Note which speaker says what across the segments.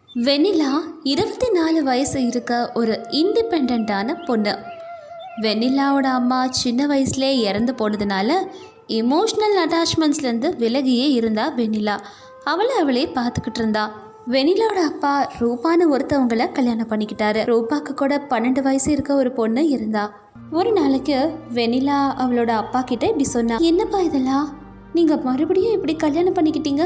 Speaker 1: வெண்ணிலா 24 வயசு இருக்க ஒரு இண்டிபெண்ட்டான பொண்ணு. வெண்ணிலாவோட அம்மா சின்ன வயசுலேயே இறந்து போனதுனால இமோஷ்னல் அட்டாச்மெண்ட்ஸ்லேருந்து விலகியே இருந்தா வெண்ணிலா. அவளே பார்த்துக்கிட்டு இருந்தா. வெண்ணிலாவோட அப்பா ரூபான்னு ஒருத்தவங்களை கல்யாணம் பண்ணிக்கிட்டாரு. ரூபாக்கு கூட 12 வயசு இருக்க ஒரு பொண்ணு இருந்தா. ஒரு நாளைக்கு வெண்ணிலா அவளோட அப்பா கிட்ட இப்படி சொன்னா, என்னப்பா இதெல்லாம், நீங்க மறுபடியும் இப்படி கல்யாணம் பண்ணிக்கிட்டீங்க?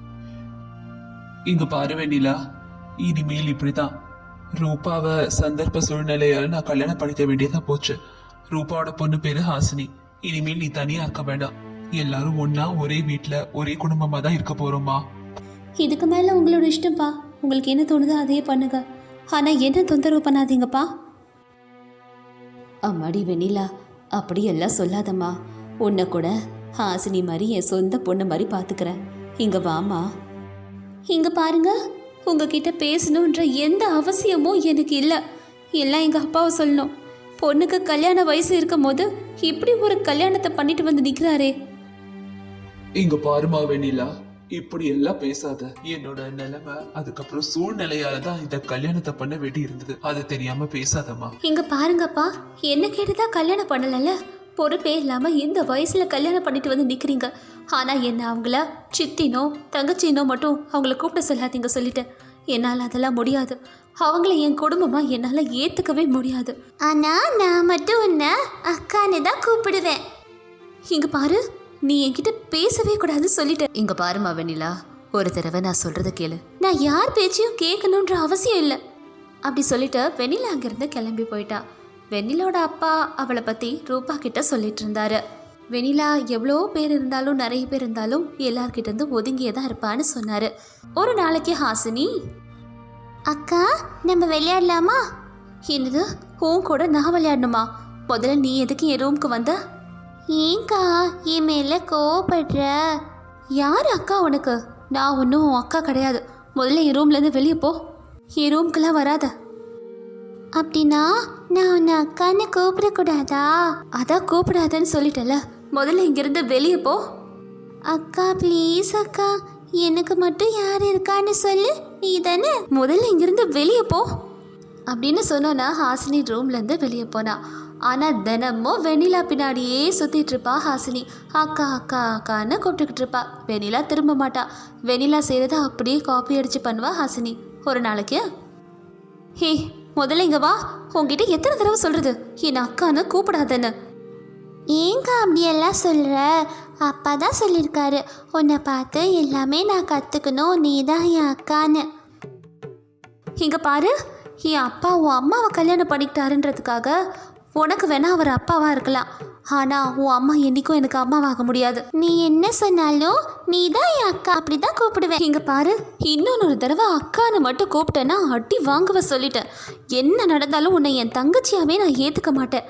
Speaker 2: இங்க பாரு வெண்ணிலா, இனிமேல் இப்படிதான். ரூபாவை சந்தர்ப்ப சூழ்நிலையால நான் கல்யாணம் பண்ணிக்க வேண்டியதா போச்சு. ரூபாவோட பொண்ணு பேரு ஹாசினி. இனிமேல் நீ தனியா இருக்க வேண்டாம். எல்லாரும் ஒன்னா ஒரே வீட்டுல ஒரே குடும்பமா தான் இருக்க போறோமா.
Speaker 1: இதுக்கு மேல உங்களோட இஷ்டம்ப்பா. உங்களுக்கு என்ன தோணுதோ அதே பண்ணுங்க. ஆனா என்ன தொந்தரவு பண்ணாதீங்கப்பா. அம்மாடி வெண்ணிலா, அப்படி எல்லாம் சொல்லாதம்மா. உன்னை கூட ஹாசினி மாதிரி என் சொந்த பொண்ணு மாதிரி பாத்துக்கிறேன். இங்க வாமா. இங்க பாருங்க, உங்ககிட்ட பேசணுன்ற எந்த அவசியமும் எனக்கு இல்லை. எல்லாம் எங்கள் அப்பாவை சொல்லணும். பொண்ணுக்கு கல்யாண வயசு இருக்கும் போது இப்படி ஒரு கல்யாணத்தை பண்ணிட்டு வந்து நிற்கிறாரே.
Speaker 2: இங்க பாருமா வெண்ணிலா, இப்படி எல்லாம் பேசாத. என்னோட நிலைமை அதுக்கப்புறம் சூழ்நிலையால தான் இந்த கல்யாணத்தை பண்ண வேண்டி இருந்தது. அது தெரியாம பேசாதம்மா.
Speaker 1: இங்க பாருங்கப்பா, என்ன கேட்டுதான் கல்யாணம் பண்ணலல்ல. பொறுப்பே இல்லாம இந்த வயசுல கல்யாணம் பண்ணிட்டு வந்து நிக்கிறீங்க. ஆனா என்ன அவங்கள சித்தினோ தங்கச்சினோ மட்டும் அவங்கள கூப்பிட சொல்லாதீங்க சொல்லிட்டேன். என்னால் அதெல்லாம் முடியாது. அவங்கள என் குடும்பமா என்னால் ஏற்றுக்கவே முடியாது. ஆனா நான் மட்டும் உன்னை அக்கான்னு தான் கூப்பிடுவேன். இங்க பாரு, நீ என்கிட்ட பேசவே கூடாது சொல்லிட்டேன். இங்க பாருமா வெண்ணிலா, ஒரு தடவை நான் சொல்றத கேளு. நான் யார் பேச்சையும் கேட்கணுன்ற அவசியம் இல்லை. அப்படி சொல்லிட்டு வெண்ணிலா அங்கிருந்து கிளம்பி போயிட்டா. வெண்ணிலோட அப்பா அவளை பற்றி ரூபா கிட்ட சொல்லிட்டு இருந்தாரு. வெண்ணிலா எவ்வளோ பேர் இருந்தாலும் நிறைய பேர் இருந்தாலும் எல்லார்கிட்ட இருந்து ஒதுங்கியே தான் இருப்பான்னு சொன்னார். ஒரு நாளைக்கு ஹாசினி, அக்கா நம்ம விளையாடலாமா? என்னது, உன் கூட நான் விளையாடணுமா? முதல்ல நீ எதுக்கு என் ரூமுக்கு வந்த? ஏங்கா என் மேலே கோவப்படுற? யார் அக்கா உனக்கு? நான் ஒன்றும் உன் அக்கா கிடையாது. முதல்ல என் ரூம்லேருந்து வெளியே போ. என் ரூம்க்கெல்லாம் வராத. அப்படின்னா நான் உன்னை அக்கான்னு கூப்பிடக்கூடாதா? அதான் கூப்பிடாதன்னு சொல்லிட்டல. முதல்ல இங்கிருந்து வெளியே போ. அக்கா ப்ளீஸ் அக்கா, எனக்கு மட்டும் யார் இருக்கான்னு சொல்லு. நீ தானே, முதல்ல இங்கிருந்து வெளியே போ அப்படின்னு சொன்னோன்னா ஹாசினி ரூம்லேருந்து வெளியே போனா. ஆனால் தினமும் வெண்ணிலா பின்னாடியே சுற்றிட்டு இருப்பா ஹாசினி. அக்கா அக்கா அக்கான்னு கூப்பிட்டுக்கிட்டு இருப்பா. வெண்ணிலா திரும்ப மாட்டா. வெண்ணிலா செய்கிறத அப்படியே காப்பி அடித்து பண்ணுவா ஹாசினி. ஒரு நாளைக்கு, ஹே முதல்ல இங்க வா. உங்ககிட்ட எத்தனை தடவை சொல்றது என் அக்கான்னு கூப்பிடாதன்னு? ஏங்க அப்படியெல்லாம் சொல்ற? அப்பா தான் சொல்லியிருக்காரு, உன்னை பார்த்து எல்லாமே நான் கற்றுக்கணும், நீ தான் என் அக்கான்னு. இங்க பாரு, என் அப்பா உன் அம்மாவை கல்யாணம் பண்ணிக்கிட்டாருன்றதுக்காக உனக்கு வேணா அவர் அப்பாவா இருக்கலாம். ஆனால் உன் அம்மா என்றைக்கும் எனக்கு அம்மாவாக முடியாது. நீ என்ன சொன்னாலும் நீ தான் என் அக்கா, அப்படி தான் கூப்பிடுவேன். இங்கே பாரு, இன்னொரு தடவை அக்கான்னு மட்டும் கூப்பிட்டேன்னா அடி வாங்குவ சொல்லிட்டேன். என்ன நடந்தாலும் உன்னை என் தங்கச்சியாவே நான் ஏற்றுக்க மாட்டேன்.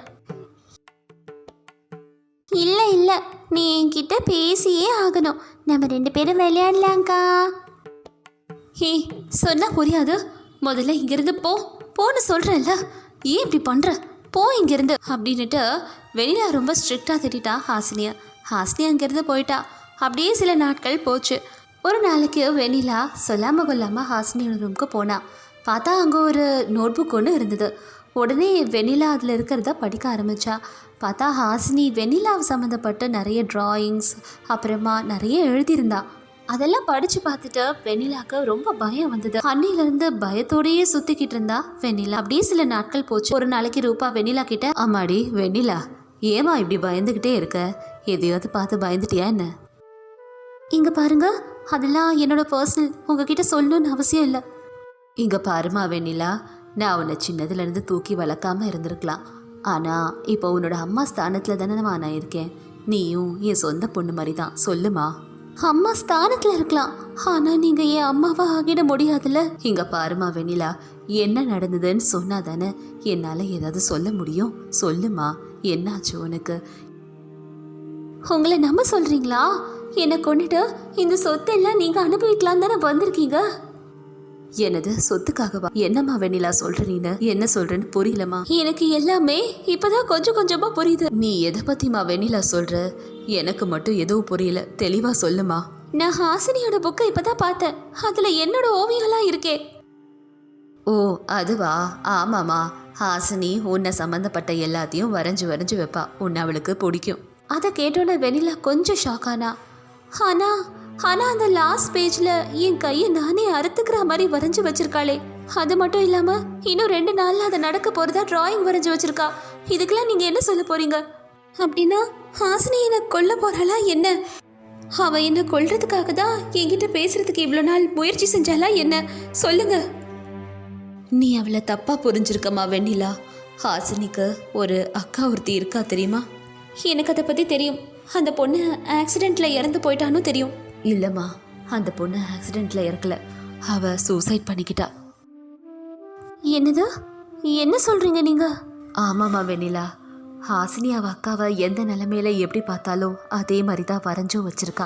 Speaker 1: இல்லை இல்லை, நீ என்கிட்ட பேசியே ஆகணும். நம்ம 2 பேரும் விளையாடலாங்க்கா. ஹே சொன்னா புரியாது. முதல்ல இங்கிருந்து போன்னு சொல்கிறேன்ல. ஏன் இப்படி பண்ணுற? போ இங்கிருந்து அப்படின்னுட்டு வெண்ணிலா ரொம்ப ஸ்ட்ரிக்டாக திட்டா ஹாசினியா. ஹாசினி அங்கேருந்து போயிட்டா. அப்படியே சில நாட்கள் போச்சு. ஒரு நாளைக்கு வெண்ணிலா சொல்லாமல் கொள்ளாமல் ஹாசினியோட ரூமுக்கு போனா. பார்த்தா அங்கே ஒரு நோட் புக் ஒன்று இருந்தது. உடனே வெண்ணிலா அதில் இருக்கிறத படிக்க ஆரம்பித்தா. பார்த்தா ஹாசினி வெண்ணிலாவை சம்மந்தப்பட்ட நிறைய ட்ராயிங்ஸ் அப்புறமா நிறைய எழுதியிருந்தா. அதெல்லாம் படித்து பார்த்துட்டு வெண்ணிலாவுக்கு ரொம்ப பயம் வந்தது. அன்னிலேருந்து பயத்தோடையே சுற்றிக்கிட்டு இருந்தா வெண்ணிலா. அப்படியே சில நாட்கள் போச்சு. ஒரு நாளைக்கு ரூபா வெண்ணிலா கிட்ட, அம்மாடி வெண்ணிலா, ஏமா இப்படி பயந்துக்கிட்டே இருக்க? எதையாவது பார்த்து பயந்துட்டியா என்ன? இங்கே பாருங்க, அதெல்லாம் என்னோட பர்சனல், உங்ககிட்ட சொல்லணும்னு அவசியம் இல்லை. இங்கே பாருமா வெண்ணிலா, நான் உன்னை சின்னதுலேருந்து தூக்கி வளர்க்காம இருந்திருக்கலாம். ஆனால் இப்போ உன்னோட அம்மா ஸ்தானத்தில் தானே நான் இருக்கேன். நீயும் என் சொந்த பொண்ணு மாதிரி தான். சொல்லுமா. அம்மா ஸ்தானத்தில் இருக்கலாம், ஆனால் நீங்கள் என் அம்மாவா ஆகிட முடியாதுல்ல. இங்கே பாருமா வெண்ணிலா, என்ன நடந்ததுன்னு சொன்னா தானே என்னால் ஏதாவது சொல்ல முடியும். சொல்லுமா, என்னாச்சு உனக்கு? உங்களை நம்ப சொல்கிறீங்களா? என்னை கொண்டுட்டு இந்த சொத்தெல்லாம் நீங்கள் அனுபவிக்கலாம் தானே வந்திருக்கீங்க. என்னது சொத்துக்காகவா? என்னம்மா வெண்ணிலா சொல்ற? நீனு என்ன சொல்றேன்னு புரியலமா. எனக்கு எல்லாமே இப்பதான் கொஞ்சம் கொஞ்சமா புரியுது. நீ எதை பத்திமா வெண்ணிலா சொல்ற? எனக்கு மட்டும் எதுவும் புரியல, தெளிவா சொல்லுமா. நான் ஹாசினியோட புக்கை இப்பதான் பார்த்தேன். அதுல என்னோட ஓவியம்லாம் இருக்கே. ஓ அதுவா? ஆமாம்மா, ஹாசினி உன்னை சம்மந்தப்பட்ட எல்லாத்தையும் வரைஞ்சி வரைஞ்சி வைப்பா. உன்னை அவளுக்கு பிடிக்கும். அதை கேட்டோன்னே வெண்ணிலா கொஞ்சம் ஷாக் ஆனா. ஆனால் அந்த லாஸ்ட் பேஜில் என் கையை நானே அறுத்துக்கிற மாதிரி வரைஞ்சி வச்சிருக்காளே. அது மட்டும் இல்லாமல் இன்னும் 2 நாளில் அதை நடக்க போகிறதா டிராயிங் வரைஞ்சி வச்சிருக்கா. இதுக்கெல்லாம் நீங்கள் என்ன சொல்ல போறீங்க? அப்படின்னா ஹாசினி என்னை கொல்ல போகிறாளா என்ன? அவள் என்னை கொல்றதுக்காக தான் என்கிட்ட பேசுறதுக்கு இவ்வளோ நாள் முயற்சி செஞ்சாலா என்ன? சொல்லுங்க. நீ அவளை தப்பா புரிஞ்சிருக்கம்மா வெண்ணிலா. ஹாசினிக்கு ஒரு அக்கா ஒருத்தி இருக்கா தெரியுமா? எனக்கு அதை பற்றி தெரியும். அந்த பொண்ணு ஆக்சிடெண்ட்டில் இறந்து போயிட்டான்னு தெரியும். இல்லைம்மா, அந்த பொண்ணு ஆக்சிடெண்ட்டில் இறக்கல, அவள் சூசைட் பண்ணிக்கிட்டா. என்னது? என்ன சொல்கிறீங்க நீங்கள்? ஆமாம்மா வெண்ணிலா, ஹாசினி அவள் அக்காவை எந்த நிலைமையில எப்படி பார்த்தாலோ அதே மாதிரி தான் வரைஞ்சும் வச்சிருக்கா.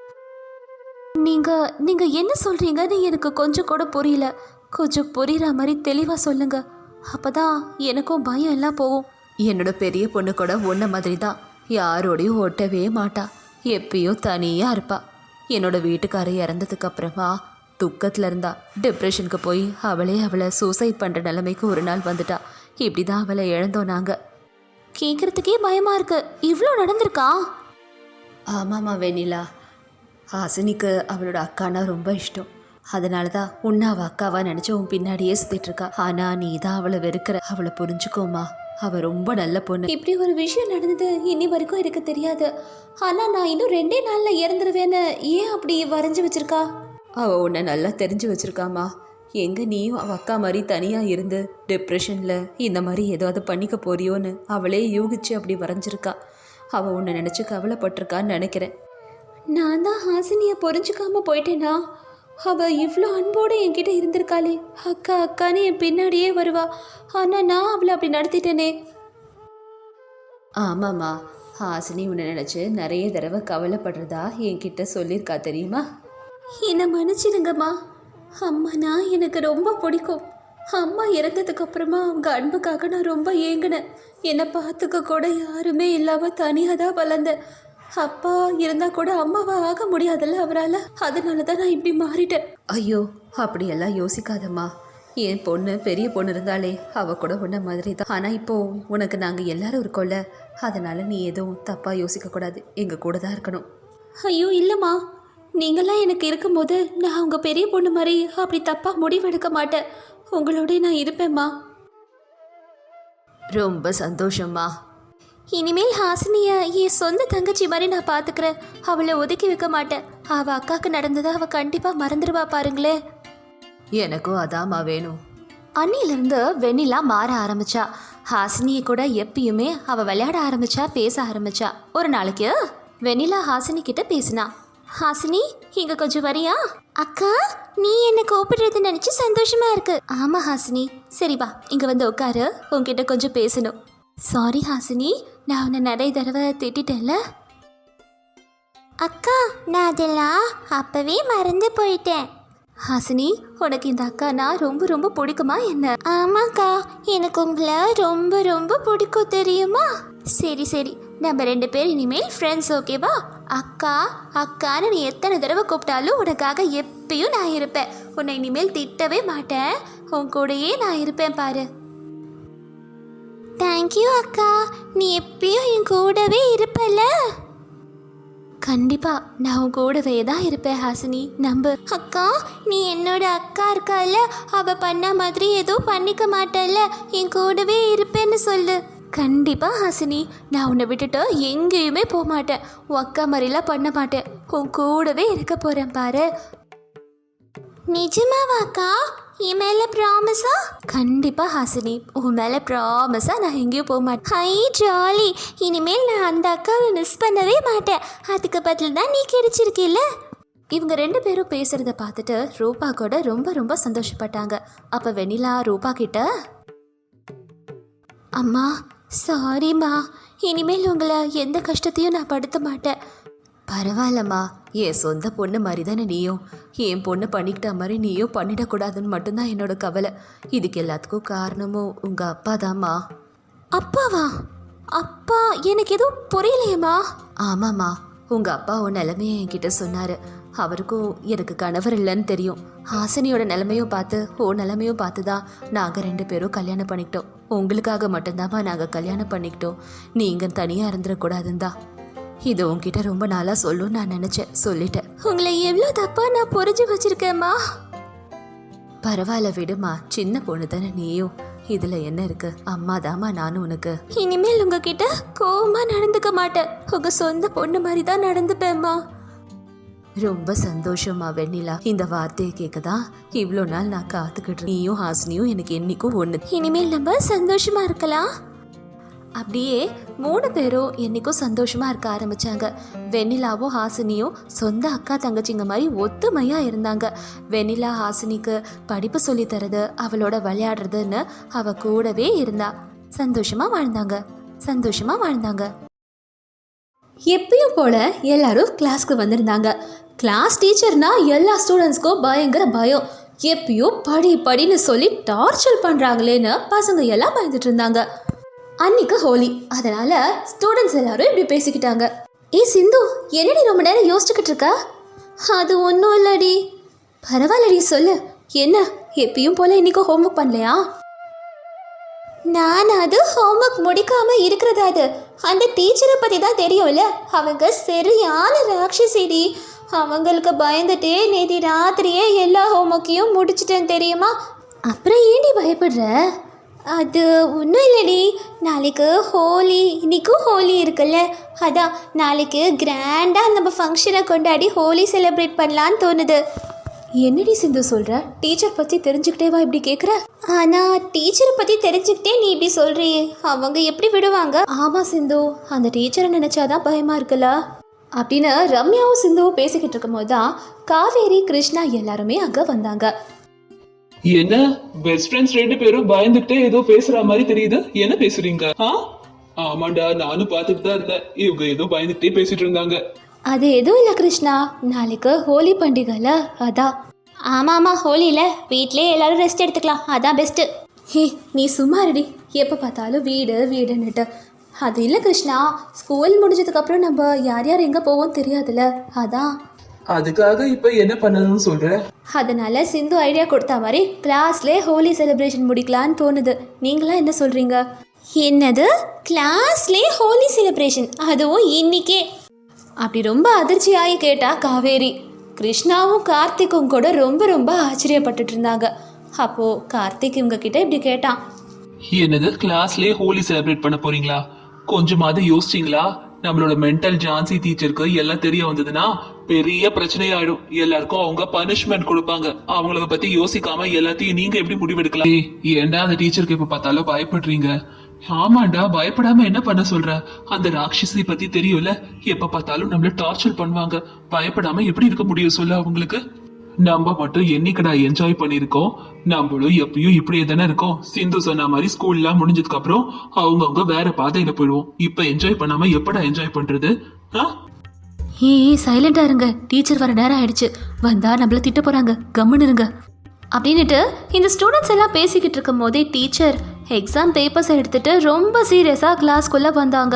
Speaker 1: நீங்கள் என்ன சொல்கிறீங்கன்னு எனக்கு கொஞ்சம் கூட புரியல. கொஞ்சம் புரிகிற மாதிரி தெளிவாக சொல்லுங்க. அப்போதான் எனக்கும் பயம் எல்லாம் போகும். என்னோட பெரிய பொண்ணு கூட ஒன்றை மாதிரி தான், யாரோடையும் ஒட்டவே மாட்டா, எப்பயும் தனியாக இருப்பா. என்னோட வீட்டுக்காரர் இறந்ததுக்கு அப்புறமா துக்கத்தில் இருந்தா. டிப்ரெஷனுக்கு போய் அவளை சூசைட் பண்ணுற நிலைமைக்கு ஒரு நாள் வந்துட்டா. இப்படி தான் அவளை இழந்தோம் நாங்கள். கேட்குறதுக்கே பயமாக இருக்கு. இவ்வளோ நடந்திருக்கா? ஆமாம்மா வெண்ணிலா, ஹாசினிக்கு அவளோட அக்கானா ரொம்ப இஷ்டம். அதனால தான் உன்னை அவள் அக்காவா நினச்சி உன் பின்னாடியே சுற்றிட்டு இருக்கா. ஆனால் நீ தான் அவளை வெறுக்கிற. அவளை புரிஞ்சுக்கோமா, அவள் ரொம்ப நல்ல பொண்ணு. இப்படி ஒரு விஷயம் நடந்தது இன்னி வரைக்கும் எனக்கு தெரியாது. ஆனால் நான் இன்னும் 2 நாளில் இறந்துருவேன்னு ஏன் அப்படி வரைஞ்சி வச்சிருக்கா? அவள் உன்னை நல்லா தெரிஞ்சு வச்சிருக்காமா. எங்கே நீயும் அவள் அக்கா மாதிரி தனியாக இருந்து டிப்ரெஷனில் இந்த மாதிரி ஏதாவது பண்ணிக்க போறியோன்னு அவளே யூகிச்சு அப்படி வரைஞ்சிருக்கா. அவள் உன்னை நினச்சி கவலைப்பட்டிருக்கான்னு நினைக்கிறேன். நான் தான் ஹாசினியை புரிஞ்சுக்காம போயிட்டேனா? அவள் இவ்வளோ அன்போடு என்கிட்ட இருந்திருக்காளே. அக்கா அக்கான்னு என் பின்னாடியே வருவா. ஆனால் நான் அவளை அப்படி நடத்திட்டேனே. ஆமாம்மா, ஹாசினி உன்னை நினச்சி நிறைய தடவை கவலைப்படுறதா என்கிட்ட சொல்லியிருக்கா தெரியுமா? என்னை மன்னிச்சிடுங்கம்மா. அம்மானா எனக்கு ரொம்ப பிடிக்கும். அம்மா இறந்ததுக்கு அப்புறமா அவங்க அன்புக்காக நான் ரொம்ப ஏங்கினேன். என்னை பார்த்துக்க கூட யாருமே இல்லாமல் தனியாக தான் வளர்ந்தேன். அப்பா இருந்தால் கூட அம்மாவா ஆக முடியாதுல்ல அவரால். அதனால தான் நான் இப்படி மாறிட்டேன். ஐயோ, அப்படியெல்லாம் யோசிக்காதம்மா. என் பொண்ணு பெரிய பொண்ணு இருந்தாலே அவள் கூட உன்ன மாதிரி தான். ஆனால் இப்போது உனக்கு நாங்கள் எல்லாரும் இருக்கோம்ல, அதனால் நீ எதுவும் தப்பாக யோசிக்கக்கூடாது. எங்கள் கூட தான் இருக்கணும். ஐயோ இல்லைம்மா, நீங்களாம் எனக்கு இருக்கும்போது நான் உங்கள் பெரிய பொண்ணு மாதிரி அப்படி தப்பாக முடிவெடுக்க மாட்டேன். உங்களோட நான் இருப்பேம்மா. ரொம்ப சந்தோஷம்மா. இனிமேல் ஹாசினியை என் சொந்த தங்கச்சி மாதிரி நான் பார்த்துக்கிறேன். அவளை ஒதுக்கி வைக்க மாட்டேன். அவள் அக்காவுக்கு நடந்ததை அவள் கண்டிப்பாக மறந்துடுவா பாருங்களே. எனக்கும் அதாம்மா வேணும். அன்னியிலேருந்து வெண்ணிலா மாற ஆரம்பிச்சா. ஹாசினியை கூட எப்பயுமே அவள் விளையாட ஆரம்பிச்சா, பேச ஆரம்பிச்சா. ஒரு நாளைக்கு வெண்ணிலா ஹாசினி கிட்ட பேசினா. ஹாசினி, இங்கே கொஞ்சம் வரியா? அக்கா, நீ என்னை கூப்பிடுறது நினச்சி சந்தோஷமா இருக்கு. ஆமாம் ஹாசினி, சரி வா இங்கே வந்து உட்காரு, உன்கிட்ட கொஞ்சம் பேசணும். சாரி ஹாசினி, நான் உன்னை நிறைய தடவை திட்டேன்ல. அக்கா, நான் அதெல்லாம் அப்பவே மறந்து போயிட்டேன். ஹாசினி, உனக்கு இந்த அக்கானா ரொம்ப ரொம்ப பிடிக்குமா என்ன? ஆமாக்கா, எனக்கு உங்களை ரொம்ப ரொம்ப பிடிக்கும் தெரியுமா? சரி சரி, நம்ம 2 பேர் இனிமேல் ஃப்ரெண்ட்ஸ், ஓகேவா? அக்கா அக்கான்னு நீ எத்தனை தடவை கூப்பிட்டாலும் உனக்காக எப்பயும் நான் இருப்பேன். உன்னை இனிமேல் திட்டவே மாட்டேன். உன் கூடயே நான் இருப்பேன் பாரு. தேங்க்யூ அக்கா, நீ எப்பயும் என் கூடவே இருப்பல. கண்டிப்பா நான் உன் கூடவே தான் இருப்பேன் ஹாசினி, நம்பு. அக்கா, நீ என்னோட அக்கா இருக்கால, அவ பண்ண மாதிரி எதுவும் பண்ணிக்க மாட்டல்ல, என் கூடவே இருப்பேன்னு சொல்லு. கண்டிப்பா ஹாசினி, நான் உன்னை விட்டுட்டு எங்கேயுமே போக மாட்டேன். உன் அக்கா மாதிரிலாம் பண்ண மாட்டேன். உன் கூடவே இருக்க போறேன் பாரு. நிஜமாவாக்கா? என் மேலே ப்ராமிஸா? கண்டிப்பாக ஹாசினி, உன் மேலே ப்ராமிஸாக நான் எங்கேயும் போக மாட்டேன். ஹை ஜாலி, இனிமேல் நான் அந்த அக்காவை மிஸ் பண்ணவே மாட்டேன். அதுக்கு பதில் தான் நீ கிடைச்சிருக்கில்ல. இவங்க 2 பேரும் பேசுகிறத பார்த்துட்டு ரூபா கூட ரொம்ப ரொம்ப சந்தோஷப்பட்டாங்க. அப்போ வெண்ணிலா ரூபா கிட்ட, அம்மா சாரிம்மா, இனிமேல் உங்களை எந்த கஷ்டத்தையும் நான் படுத்த மாட்டேன். பரவாயில்லம்மா, என் சொந்த பொண்ணு மாதிரி தானே நீயும். என் பொண்ணு பண்ணிக்கிட்ட மாதிரி நீயும் பண்ணிடக்கூடாதுன்னு மட்டும்தான் என்னோட கவலை. இதுக்கு எல்லாத்துக்கும் காரணமும் உங்கள் அப்பா தாம்மா. அப்பாவா? அப்பா, எனக்கு எதுவும் புரியலையேம்மா. ஆமாம்மா, உங்கள் அப்பா உன் நிலைமையை என்கிட்ட சொன்னார். அவருக்கும் எனக்கு கணவர் இல்லைன்னு தெரியும். ஹாசினியோட நிலைமையும் பார்த்து நிலைமையும் பார்த்து தான் நாங்கள் 2 பேரும் கல்யாணம் பண்ணிக்கிட்டோம். உங்களுக்காக மட்டும்தாம்மா நாங்கள் கல்யாணம் பண்ணிக்கிட்டோம். நீங்கள் தனியாக இருந்துடக்கூடாதுன்னு தான் இது உங்ககிட்ட ரொம்ப நாளாக சொல்லணும்னு நான் நினச்சேன். சொல்லிட்டேன். உங்களை எவ்வளோ தப்பா நான் புரிஞ்சு வச்சிருக்கேம்மா. பரவாயில்ல விடுமா, சின்ன பொண்ணு தானே நீயும். இதுல என்ன இருக்கு? அம்மா தாமா நானும் உனக்கு. இனிமேல் உங்ககிட்ட கோவமா நடந்துக்க மாட்டேன். உங்க சொந்த பொண்ணு மாதிரி தான் நடந்துப்பேம்மா. ரொம்ப சந்தோஷமா வெண்ணிலா. இந்த வார்த்தையை கேட்கதான் இவ்வளோ நாள் நான் காத்துக்கிட்டு. நீயும் ஹாசினியும் எனக்கு என்னைக்கும் ஒண்ணு. இனிமேல் நம்ம சந்தோஷமா இருக்கலாம். அப்படியே 3 பேரும் என்னைக்கும் சந்தோஷமா இருக்க ஆரம்பிச்சாங்க. வெண்ணிலாவும் ஹாசினியும் சொந்த அக்கா தங்கச்சிங்க மாதிரி ஒத்துமையா இருந்தாங்க. வெண்ணிலா ஹாசினிக்கு படிப்பு சொல்லி தரது, அவளோட விளையாடுறதுன்னு அவ கூடவே இருந்தா. சந்தோஷமா வாழ்ந்தாங்க. எப்பயும் போல எல்லாரும் கிளாஸ்க்கு வந்திருந்தாங்க. கிளாஸ் டீச்சர்னா எல்லா ஸ்டூடெண்ட்ஸ்க்கும் பயங்கர பயம். எப்பயும் படின்னு சொல்லி டார்ச்சர் பண்றாங்களேன்னு பசங்க எல்லாம் பயந்துட்டு இருந்தாங்க. அன்னைக்கு ஹோலி, அதனால ஸ்டூடெண்ட்ஸ் எல்லாரும் இப்படி பேசிக்கிட்டாங்க. சிந்து, என்னடி ரொம்ப நேரம் யோசிச்சுக்கிட்டு இருக்க? அது ஒன்றும் இல்லடி. பரவாயில்லடி, சொல்லு. என்ன எப்பயும் போல இன்னைக்கு ஹோம்ஒர்க் பண்ணலையா? நான் அது ஹோம்ஒர்க் முடிக்காம இருக்கிறதா? அது அந்த டீச்சரை பற்றி தான் தெரியும்ல. அவங்க சரியான ராட்சசிடி. அவங்களுக்கு பயந்துட்டே நேற்று ராத்திரியே எல்லா ஹோம்ஒர்க்கையும் முடிச்சிட்டேன் தெரியுமா? அப்புறம் ஏண்டி பயப்படுற? அது ஒன்றும் இல்லடி. நாளைக்கு ஹோலி, இன்றைக்கும் ஹோலி இருக்குல்ல, அதான் நாளைக்கு கிராண்டாக நம்ம ஃபங்க்ஷனை கொண்டாடி ஹோலி செலிப்ரேட் பண்ணலான்னு தோணுது. என்னடி சிந்து சொல்கிற? டீச்சர் பற்றி தெரிஞ்சுக்கிட்டேவா இப்படி கேட்குற? ஆனால் டீச்சரை பற்றி தெரிஞ்சுக்கிட்டே நீ இப்படி சொல்கிறியே, அவங்க எப்படி விடுவாங்க? ஆமாம் சிந்து, அந்த டீச்சரை நினச்சாதான் பயமாக இருக்குல்ல அப்படின்னு ரம்யாவும் சிந்துவும் பேசிக்கிட்டு இருக்கும் போது தான் காவேரி, கிருஷ்ணா எல்லாருமே அங்கே வந்தாங்க.
Speaker 2: என்ன பெஸ்ட் ஃப்ரெண்ட்ஸ் 2 பேரும் பயந்துட்டே ஏதோ பேசுற மாதிரி தெரியுது. என்ன பேசுறீங்க? ஆமாண்டா, நானும் பார்த்துட்டு தான் இருந்தேன். இவங்க ஏதோ பயந்துட்டே பேசிட்டு இருந்தாங்க.
Speaker 1: அது எதுவும் இல்லை கிருஷ்ணா, நாளைக்கு ஹோலி பண்டிகைல அதான். ஆமாம், ஹோலியில் வீட்டிலே எல்லாரும் ரெஸ்ட் எடுத்துக்கலாம், அதான் பெஸ்ட்டு. நீ சும்மா ரெடி. எப்போ பார்த்தாலும் வீடுன்னுட்டு. அது இல்லை கிருஷ்ணா, ஸ்கூல் முடிஞ்சதுக்கப்புறம் நம்ம யார் எங்கே போவோம் தெரியாதுல்ல, அதான்.
Speaker 2: அதுக்காக இப்ப என்ன பண்ணணும்னு சொல்ற?
Speaker 1: அதனால சிந்து ஐடியா கொடுத்த மாதிரி கிளாஸ்ல ஹோலி செலிப்ரேஷன் முடிக்கலான்னு தோணுது. நீங்களா என்ன சொல்றீங்க? என்னது, கிளாஸ்ல ஹோலி செலிப்ரேஷன், அதுவும் இன்னைக்கே? அப்படி ரொம்ப அதிர்ச்சியாகி கேட்டா காவேரி. கிருஷ்ணாவும் கார்த்திக்கும் கூட ரொம்ப ஆச்சரியப்பட்டுட்டு இருந்தாங்க. அப்போ கார்த்திக் இவங்க கிட்ட இப்படி கேட்டான்.
Speaker 2: என்னது, கிளாஸ்லயே ஹோலி செலிப்ரேட் பண்ண போறீங்களா? கொஞ்சமாவது யோசிச்சிங்களா? நம்மளோட மென்டல் ஜான்சி டீச்சருக்கு எல்லாம் தெரிய வந்ததுன்னா பெரிய பிரச்சனை ஆயிடும். எல்லாருக்கும் அவங்க பனிஷ்மெண்ட் கொடுப்பாங்க. அவங்கள பத்தி யோசிக்காம எல்லாத்தையும் நீங்க எப்படி முடிவெடுக்கலாம்? ஏன்டா அந்த டீச்சருக்கு எப்ப பார்த்தாலும் பயப்படுறீங்க? ஆமாண்டா, பயப்படாம என்ன பண்ண சொல்ற? அந்த ராட்சசி பத்தி தெரியும்ல, எப்ப பார்த்தாலும் நம்மள டார்ச்சர் பண்ணுவாங்க. பயப்படாம எப்படி இருக்க முடியும் சொல்ல அவங்களுக்கு? நம்ம மட்டும் என்னைக்கடா என்ஜாய் பண்ணிருக்கோம்? நம்மளும் எப்பயும் இப்படியே தானே இருக்கோம். சிந்து சொன்ன மாதிரி ஸ்கூல்லாம் முடிஞ்சதுக்கு அப்புறம் அவங்கவுங்க வேற பாதையில போயிடுவோம். இப்ப என்ஜாய் பண்ணாம எப்படா என்ஜாய் பண்றது?
Speaker 1: சைலண்டா இருங்க, டீச்சர் வர நேரம் ஆயிடுச்சு. வந்தா நம்மள திட்ட போறாங்க, கம்முன்னு இருங்க அப்படின்னுட்டு இந்த ஸ்டூடெண்ட்ஸ் எல்லாம் பேசிக்கிட்டு இருக்கும் போதே டீச்சர் எக்ஸாம் பேப்பர்ஸ் எடுத்துட்டு ரொம்ப சீரியஸா கிளாஸ்க்குள்ள வந்தாங்க.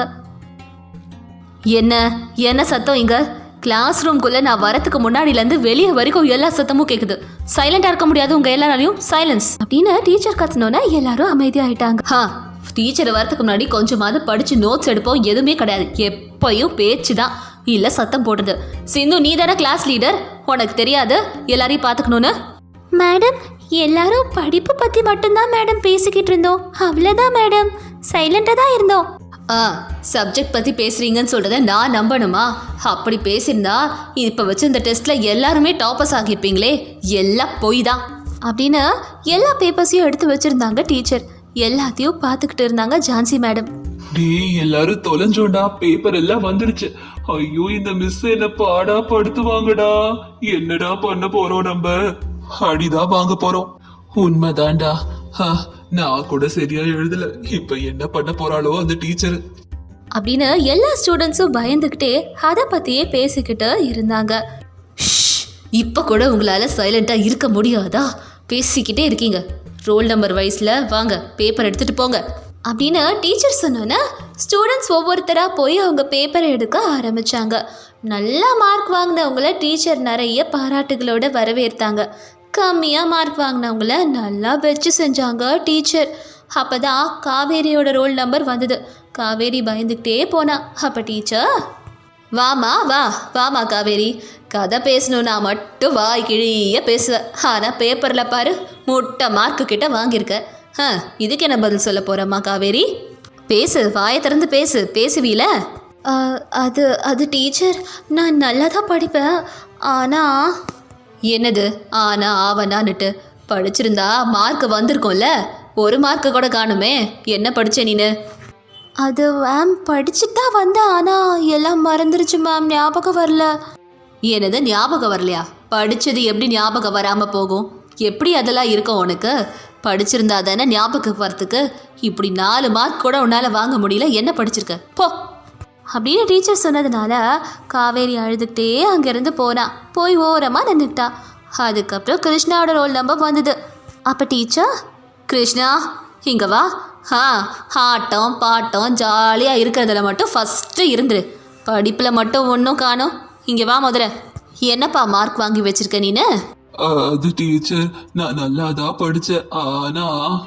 Speaker 1: என்ன சத்தம் இங்க? கிளாஸ் ரூம்குள்ள நான் வரத்துக்கு முன்னாடிலேருந்து வெளியே வரைக்கும் எல்லா சத்தமும் கேட்குது. சைலண்டா இருக்க முடியாது உங்க எல்லாராலையும், சைலன்ஸ் அப்படின்னு டீச்சர் கத்துனோன்னா எல்லாரும் அமைதியாயிட்டாங்க. டீச்சர் வரத்துக்கு முன்னாடி கொஞ்சமாவது படிச்சு நோட்ஸ் எடுப்போம், எதுவுமே கிடையாது. எப்பயும் பேச்சு தான், இல்லை சத்தம் போடுறது. சிந்து, நீ தானே கிளாஸ் லீடர், உனக்கு தெரியாது எல்லாரையும் பார்த்துக்கணும்னு? மேடம், எல்லாரும் படிப்பு பற்றி மட்டும்தான் மேடம் பேசிக்கிட்டு இருந்தோம், அவ்வளோதான் மேடம், சைலண்டாக தான் இருந்தோம். சப்ஜெக்ட் பற்றி பேசுகிறீங்கன்னு சொல்கிறத நான் நம்பணுமா? அப்படி பேசியிருந்தா இப்போ வச்சு இந்த டெஸ்ட்டில் எல்லாருமே டாப்பர்ஸ் ஆகியிருப்பீங்களே. எல்லாம் பொய் தான் அப்படின்னு எல்லா பேப்பர்ஸையும் எடுத்து வச்சுருந்தாங்க டீச்சர். எல்லாத்தையும் பார்த்துக்கிட்டு இருந்தாங்க ஜான்சி மேடம்.
Speaker 2: எல்லாரும் தொலைஞ்சோண்டா, பேப்பர் எல்லாம் வந்துருச்சு. ஐயோ, இந்த மிஸ் என்ன பாடா படுத்துவாங்கடா. என்னடா பண்ண போறோம்? நம்ம அடிதான் வாங்க போறோம். உண்மைதான்டா, நான் கூட சரியா எழுதல. இப்ப என்ன பண்ண போறாளோ அந்த டீச்சர்
Speaker 1: அப்படின்னு எல்லா ஸ்டூடெண்ட்ஸும் பயந்துக்கிட்டே அதை பத்தியே பேசிக்கிட்டு இருந்தாங்க. இப்ப கூட உங்களால சைலண்டா இருக்க முடியாதா? பேசிக்கிட்டே இருக்கீங்க. ரோல் நம்பர் வைஸ்ல வாங்க, பேப்பர் எடுத்துட்டு போங்க அப்படின்னு டீச்சர் சொன்னோன்னே ஸ்டூடெண்ட்ஸ் ஒவ்வொருத்தராக போய் அவங்க பேப்பரை எடுக்க ஆரம்பித்தாங்க. நல்லா மார்க் வாங்கினவங்கள டீச்சர் நிறைய பாராட்டுகளோட வரவேற்றாங்க. கம்மியாக மார்க் வாங்கினவங்கள நல்லா வச்சு செஞ்சாங்க டீச்சர். அப்போ தான் காவேரியோட ரோல் நம்பர் வந்தது. காவேரி பயந்துக்கிட்டே போனா. அப்போ டீச்சர், வாமா காவேரி, கதை பேசணுன்னா மட்டும் வாய் கிழிய பேசுவேன். ஆனால் பேப்பரில் பாரு முட்டை மார்க்கு கிட்ட வாங்கியிருக்க. இதுக்கு என்ன பதில் சொல்ல போகிறம்மா காவேரி? பேசு, வாயை திறந்து பேசுவீல? அது டீச்சர், நான் நல்லா தான் படிப்பேன். ஆனால் என்னது ஆவனான்னுட்டு படிச்சிருந்தா மார்க் வந்திருக்கோம்ல. ஒரு மார்க்கு கூட காணுமே. என்ன படிச்ச நீனு? அது மேம் படிச்சுட்டு தான் வந்தேன், ஆனால் எல்லாம் மறந்துருச்சு மேம், ஞாபகம் வரல. என்னது ஞாபகம் வரலையா? படித்தது எப்படி ஞாபகம் வராமல் போகும்? எப்படி அதெல்லாம் இருக்கும் உனக்கு? படிச்சிருந்தா தானே ஞாபகம் வரத்துக்கு. இப்படி 4 மார்க் கூட உன்னால் வாங்க முடியல. என்ன படிச்சிருக்க போ அப்படின்னு டீச்சர் சொன்னதுனால காவேரி அழுதுகிட்டே அங்கேருந்து போய் ஓரமாக நின்றுக்கிட்டா. அதுக்கப்புறம் கிருஷ்ணாவோட ரோல் நம்பர் வந்தது. அப்போ டீச்சர், கிருஷ்ணா இங்கே வா. ஆட்டம் பாட்டம் ஜாலியாக இருக்கிறதுல மட்டும் ஃபஸ்ட்டு இருந்துரு. படிப்பில் மட்டும் ஒன்றும் காணோம். இங்கே வா முதல்ல. என்னப்பா மார்க் வாங்கி வச்சிருக்க நீனு?
Speaker 2: அது டீச்சர், நான் நல்லா தான் படித்தேன். ஆனா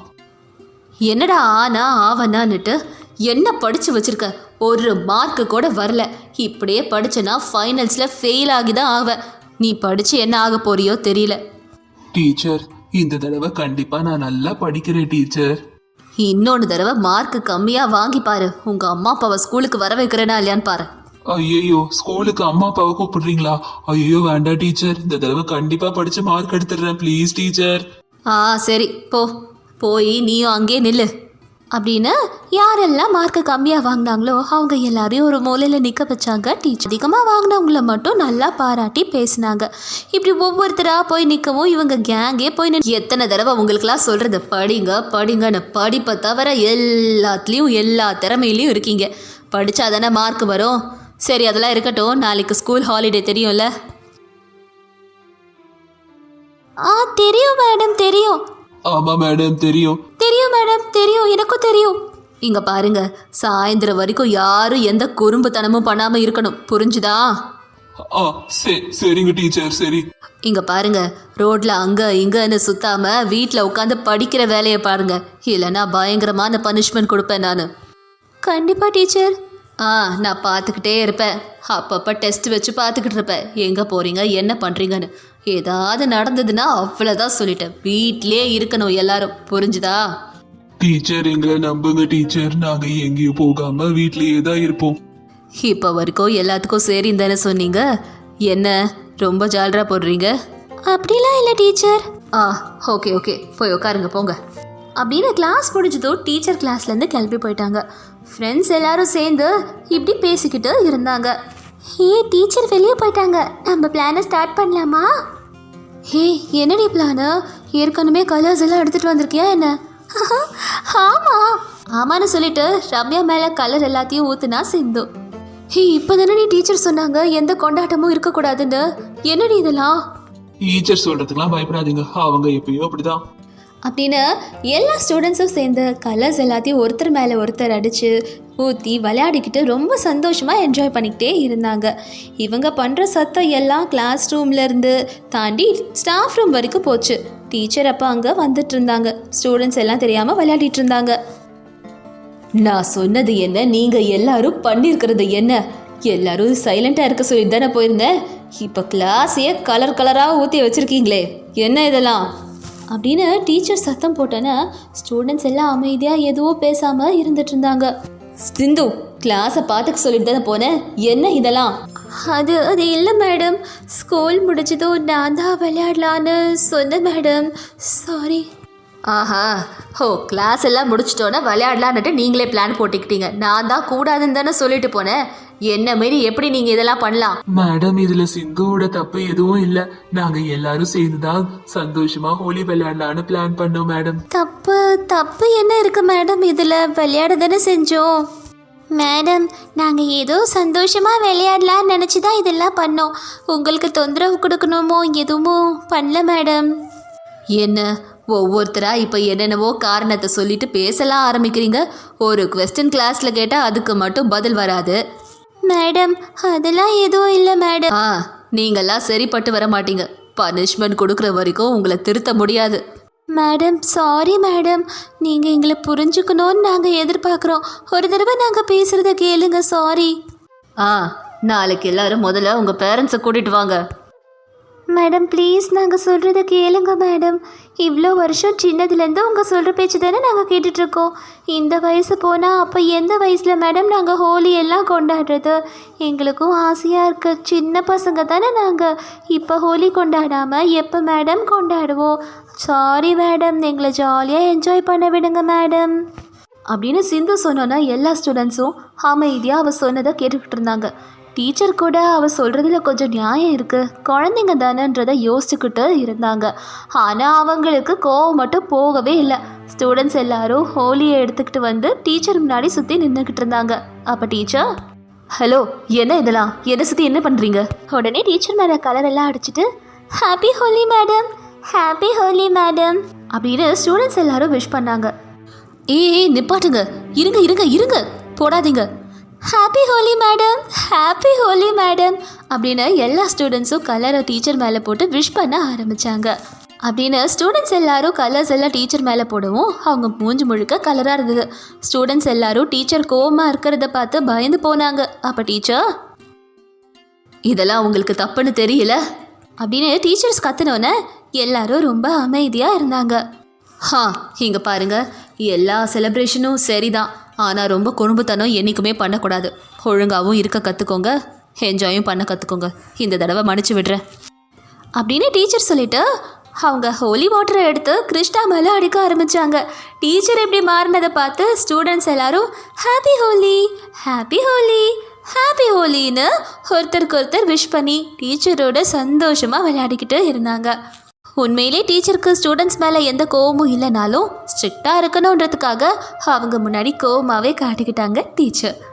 Speaker 1: என்னடா ஆவனான்னுட்டு என்ன படித்து வச்சிருக்க? ஒரு மார்க்கு கூட வரல. இப்படியே படிச்சனா ஃபைனல்ஸில் ஃபெயில் ஆகி தான் ஆவேன். நீ படித்து என்ன ஆக போறியோ தெரியல.
Speaker 2: டீச்சர், இந்த தடவை கண்டிப்பாக நான் நல்லா படிக்கிறேன் டீச்சர்.
Speaker 1: இன்னொன்று தடவை மார்க்கு கம்மியாக வாங்கி பாரு. உங்கள் அம்மா அப்பாவை ஸ்கூலுக்கு வர வைக்கிறேனா இல்லையான்னு பாரு.
Speaker 2: ஐயோ, ஸ்கூலுக்கு அம்மா அப்பாவை கூப்பிடுறீங்களா? ஐயோ வேண்டாம் டீச்சர், இந்த தடவை கண்டிப்பாக படித்து மார்க் எடுத்துடுறேன் ப்ளீஸ் டீச்சர்.
Speaker 1: சரி போய் நீயும் அங்கேயே நில்லு அப்படின்னு யாரெல்லாம் மார்க்கு கம்மியாக வாங்கினாங்களோ அவங்க எல்லாரையும் ஒரு மூலையில் நிற்க வச்சாங்க டீச்சர். அதிகமாக வாங்கினவங்கள மட்டும் நல்லா பாராட்டி பேசினாங்க. இப்படி ஒவ்வொருத்தராக போய் நிற்கவும் இவங்க கேங்கே போய் எத்தனை தடவை உங்களுக்கெல்லாம் சொல்கிறது, படிங்கன்னு. படிப்பை தவிர எல்லாத்துலேயும் எல்லா திறமையிலையும் இருக்கீங்க. படித்தா தானே மார்க் வரும். சரி அதெல்லாம் இருக்கட்டும், நாளைக்கு ஸ்கூல் ஹாலிடே தெரியும்ல? தெரியும் மேடம், தெரியும்.
Speaker 2: ஆமா மேடம், தெரியும்
Speaker 1: மேடம், தெரியும், எனக்கும் தெரியும். இங்க பாருங்க, சாயந்தரம் வரைக்கும் யாரும் எந்த குறும்புத்தனமும் பண்ணாம இருக்கணும், புரிஞ்சுதா?
Speaker 2: சரிங்க டீச்சர், சரி.
Speaker 1: இங்க பாருங்க, ரோட்ல அங்க இங்கன்னு சுத்தாம வீட்டில் உட்காந்து படிக்கிற வேலையை பாருங்க. இல்லைன்னா பயங்கரமான பனிஷ்மெண்ட் கொடுப்பேன் நான். கண்டிப்பா டீச்சர். நான் பார்த்துக்கிட்டே இருப்பேன். அப்பப்போ டெஸ்ட் வச்சு பார்த்துக்கிட்டு இருப்பேன் எங்கே போகிறீங்க என்ன பண்ணுறீங்கன்னு. ஏதாவது நடந்ததுன்னா அவ்வளோதான் சொல்லிட்டேன். வீட்டிலே இருக்கணும் எல்லாரும், புரிஞ்சுதா?
Speaker 2: டீச்சர் எங்களை நம்புங்க டீச்சர், நாங்கள் எங்கேயும் போகாமல் வீட்லேயே தான் இருப்போம்.
Speaker 1: இப்போ வரைக்கும் எல்லாத்துக்கும் சரின்னு தானே சொன்னீங்க, என்ன ரொம்ப ஜாலரா போடுறீங்க? அப்படிலாம் இல்லை டீச்சர். ஓகே போய் உட்காருங்க போங்க அப்படின்னு கிளாஸ் முடிஞ்சதும் டீச்சர் கிளாஸ்லேருந்து கிளம்பி போயிட்டாங்க. ஃப்ரெண்ட்ஸ் எல்லாரும் சேர்ந்து இப்படி பேசிக்கிட்டு இருந்தாங்க. டீச்சர் வெளியே போயிட்டாங்க, நம்ம பிளானை ஸ்டார்ட் பண்ணலாமா? என்னடி பிளானு? ஏற்கனவே கலர்ஸ் எல்லாம் எடுத்துகிட்டு வந்திருக்கியா என்ன? ஆமான்னு சொல்லிட்டு ரம்யா மேலே கலர் எல்லாத்தையும் ஊற்றுனா சிந்து. இப்போ தானே டீச்சர் சொன்னாங்க எந்த கொண்டாட்டமும் இருக்கக்கூடாதுன்னு. என்னடி இதெல்லாம்?
Speaker 2: டீச்சர் சொல்கிறதுக்கெலாம் பயப்படாதீங்க, அவங்க எப்பயோ அப்படிதான்
Speaker 1: அப்படின்னு எல்லா ஸ்டூடெண்ட்ஸும் சேர்ந்து கலர்ஸ் எல்லாத்தையும் ஒருத்தர் மேலே ஒருத்தர் அடித்து ஊற்றி விளையாடிக்கிட்டு ரொம்ப சந்தோஷமாக என்ஜாய் பண்ணிக்கிட்டே இருந்தாங்க. இவங்க பண்ணுற சத்தம் எல்லாம் கிளாஸ் ரூம்லேருந்து தாண்டி ஸ்டாஃப் ரூம் வரைக்கும் போச்சு. டீச்சர் அப்போ அங்கே வந்துட்டு இருந்தாங்க. ஸ்டூடெண்ட்ஸ் எல்லாம் தெரியாமல் விளையாடிட்டு இருந்தாங்க. நான் சொன்னது என்ன, நீங்கள் எல்லாரும் பண்ணியிருக்கிறது என்ன? எல்லாரும் சைலண்ட்டாக இருக்க சொல்லி தானே போயிருந்தேன். இப்போ கிளாஸையே கலராக ஊற்றி வச்சுருக்கீங்களே, என்ன இதெல்லாம்? அப்படின்னு டீச்சர் சத்தம் போட்டோன்னா ஸ்டூடெண்ட்ஸ் எல்லாம் அமைதியாக எதுவும் பேசாமல் இருந்துட்டு இருந்தாங்க. சிந்து, கிளாஸை பார்த்துக்க சொல்லிட்டு தானே போனேன், என்ன இதெல்லாம்? அது இல்லை மேடம், ஸ்கூல் முடிச்சதும் நான் தான் விளையாடலான்னு சொன்னேன் மேடம், சாரி. கிளாஸ் எல்லாம் முடிச்சிட்டோன்னா விளையாடலான்னுட்டு நீங்களே பிளான் போட்டுக்கிட்டீங்க. நான் தான் கூடாதுன்னு தானே சொல்லிட்டு போனேன். என்ன மாரி எப்படி நீங்கள் இதெல்லாம் பண்ணலாம்?
Speaker 2: மேடம், இதில் சிந்துவோட தப்பு எதுவும் இல்லை. நாங்கள் எல்லாரும் சேர்ந்துதான் சந்தோஷமாக ஹோலி விளையாடலான்னு பிளான் பண்ணோம் மேடம்.
Speaker 1: தப்பு என்ன இருக்கு மேடம்? இதில் விளையாட தானே செஞ்சோம் மேடம். நாங்கள் ஏதோ சந்தோஷமாக விளையாடலான்னு நினச்சி தான் இதெல்லாம் பண்ணோம். உங்களுக்கு தொந்தரவு கொடுக்கணுமோ எதுவும் பண்ணல மேடம். என்ன ஒவ்வொருத்தரா இப்போ என்னென்னவோ காரணத்தை சொல்லிட்டு பேசலாம் ஆரம்பிக்கிறீங்க. ஒரு கொஸ்டின் கிளாஸில் கேட்டால் அதுக்கு மட்டும் பதில் வராது. மேடம் அதெல்லாம் எதுவும் இல்லை மேடம். நீங்கள்லாம் சரிப்பட்டு வர மாட்டீங்க. பனிஷ்மெண்ட் கொடுக்குற வரைக்கும் உங்களை திருத்த முடியாது. மேடம் சாரி மேடம், நீங்கள் எங்களை புரிஞ்சுக்கணும்னு நாங்கள் எதிர்பார்க்குறோம். ஒரு தடவை நாங்கள் பேசுகிறத கேளுங்க. சாரி. நாளைக்கு எல்லாரும் முதல்ல உங்கள் பேரண்ட்ஸை கூட்டிகிட்டு வாங்க. மேடம் ப்ளீஸ் நாங்கள் சொல்கிறத கேளுங்க மேடம். இவ்வளோ வருஷம் சின்னதுலேருந்து உங்கள் சொல்கிற பேச்சு தானே நாங்கள் கேட்டுட்ருக்கோம். இந்த வயசு போனால் அப்போ எந்த வயசில் மேடம் நாங்கள் ஹோலி எல்லாம் கொண்டாடுறது? எங்களுக்கும் ஆசையாக இருக்குது. சின்ன பசங்க தானே நாங்கள். இப்போ ஹோலி கொண்டாடாமல் எப்போ மேடம் கொண்டாடுவோம்? சாரி மேடம், எங்களை ஜாலியாக என்ஜாய் பண்ண விடுங்க மேடம் அப்படின்னு சிந்து சொன்னோன்னா எல்லா ஸ்டூடெண்ட்ஸும் அமைதியாக அவள் சொன்னதை கேட்டுக்கிட்டு இருந்தாங்க. டீச்சர் கூட அவள் சொல்கிறதுல கொஞ்சம் நியாயம் இருக்குது, குழந்தைங்க தானேன்றதை யோசிச்சுக்கிட்டு இருந்தாங்க. ஆனால் அவங்களுக்கு கோவம் மட்டும் போகவே இல்லை. ஸ்டூடெண்ட்ஸ் எல்லாரும் ஹோலியை எடுத்துக்கிட்டு வந்து டீச்சர் முன்னாடி சுற்றி நின்றுக்கிட்டு இருந்தாங்க. அப்போ டீச்சர், ஹலோ என்ன இதெல்லாம், என்னை சுற்றி என்ன பண்ணுறீங்க? உடனே டீச்சர் மேலே கலர் எல்லாம் அடிச்சுட்டு happy Holi madam, happy Holi madam அப்படின்னு ஸ்டூடெண்ட்ஸ் எல்லாரும் விஷ் பண்ணாங்க. நிப்பாட்டுங்க, இருங்க இருங்க இருங்க, போடாதீங்க. Happy Holi madam, happy Holi madam அப்படின்னு எல்லா ஸ்டூடெண்ட்ஸும் கலரை டீச்சர் மேலே போட்டு விஷ் பண்ண ஆரம்பித்தாங்க. அப்படின்னு ஸ்டூடெண்ட்ஸ் எல்லாரும் கலர்ஸ் எல்லாம் டீச்சர் மேலே போடவும் அவங்க மூஞ்சி முழுக்க கலராக இருந்தது. ஸ்டூடெண்ட்ஸ் எல்லாரும் டீச்சர் கோவமாக இருக்கிறத பார்த்து பயந்து போனாங்க. அப்போ டீச்சர், இதெல்லாம் உங்களுக்கு தப்புன்னு தெரியல அப்படின்னு டீச்சர்ஸ் கத்துனோன்னே எல்லாரும் ரொம்ப அமைதியாக இருந்தாங்க. இங்கே பாருங்கள், எல்லா செலிப்ரேஷனும் சரிதான், ஆனால் ரொம்ப குறும்புத்தனம் என்றைக்குமே பண்ணக்கூடாது. ஒழுங்காகவும் இருக்க கற்றுக்கோங்க, என்ஜாயும் பண்ண கற்றுக்கோங்க. இந்த தடவை மன்னிச்சு விடுறேன் அப்படின்னு டீச்சர் சொல்லிவிட்டு அவங்க ஹோலி வாட்டரை எடுத்து கிருஷ்ணா மேலே அடிக்க ஆரம்பித்தாங்க. டீச்சர் இப்படி மாறினதை பார்த்து ஸ்டூடெண்ட்ஸ் எல்லாரும் happy Holi, happy Holi, happy ஹோலின்னு ஒருத்தருக்கு ஒருத்தர் விஷ் பண்ணி டீச்சரோட சந்தோஷமாக விளையாடிக்கிட்டு இருந்தாங்க. உண்மையிலே டீச்சருக்கு ஸ்டூடெண்ட்ஸ் மேலே எந்த கோவமும் இல்லைனாலும் ஸ்ட்ரிக்டாக இருக்கணுன்றதுக்காக அவங்க முன்னாடி கோவமாகவே காட்டிக்கிட்டாங்க டீச்சர்.